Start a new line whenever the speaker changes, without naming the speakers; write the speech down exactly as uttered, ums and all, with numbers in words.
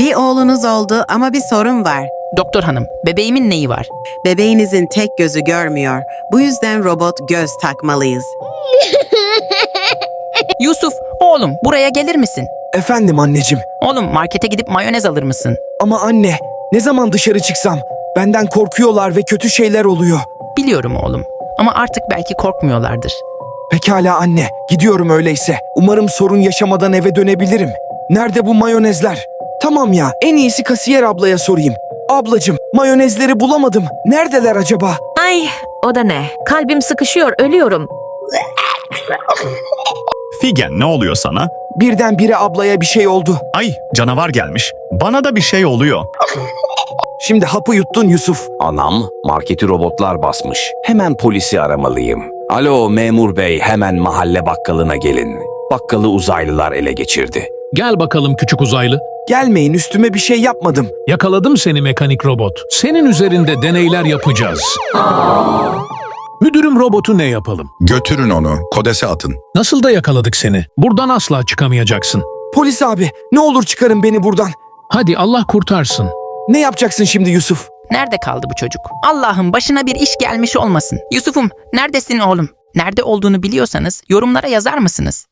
Bir oğlunuz oldu ama bir sorun var.
Doktor hanım, bebeğimin neyi var?
Bebeğinizin tek gözü görmüyor. Bu yüzden robot göz takmalıyız.
Yusuf, oğlum buraya gelir misin?
Efendim anneciğim.
Oğlum markete gidip mayonez alır mısın?
Ama anne, ne zaman dışarı çıksam benden korkuyorlar ve kötü şeyler oluyor.
Biliyorum oğlum ama artık belki korkmuyorlardır.
Pekala anne, gidiyorum öyleyse. Umarım sorun yaşamadan eve dönebilirim. Nerede bu mayonezler? Tamam ya, en iyisi kasiyer ablaya sorayım. Ablacığım, mayonezleri bulamadım. Neredeler acaba?
Ay, o da ne? Kalbim sıkışıyor, ölüyorum.
Figen, ne oluyor sana?
Birdenbire ablaya bir şey oldu.
Ay, canavar gelmiş. Bana da bir şey oluyor.
Şimdi hapı yuttun Yusuf.
Anam, marketi robotlar basmış. Hemen polisi aramalıyım. Alo memur bey, hemen mahalle bakkalına gelin. Bakkalı uzaylılar ele geçirdi.
Gel bakalım küçük uzaylı.
Gelmeyin, üstüme bir şey yapmadım.
Yakaladım seni mekanik robot. Senin üzerinde deneyler yapacağız. Müdürüm robotu ne yapalım?
Götürün onu, kodese atın.
Nasıl da yakaladık seni? Buradan asla çıkamayacaksın.
Polis abi, ne olur çıkarın beni buradan.
Hadi Allah kurtarsın.
Ne yapacaksın şimdi Yusuf?
Nerede kaldı bu çocuk? Allah'ım başına bir iş gelmiş olmasın. Yusuf'um, neredesin oğlum? Nerede olduğunu biliyorsanız yorumlara yazar mısınız?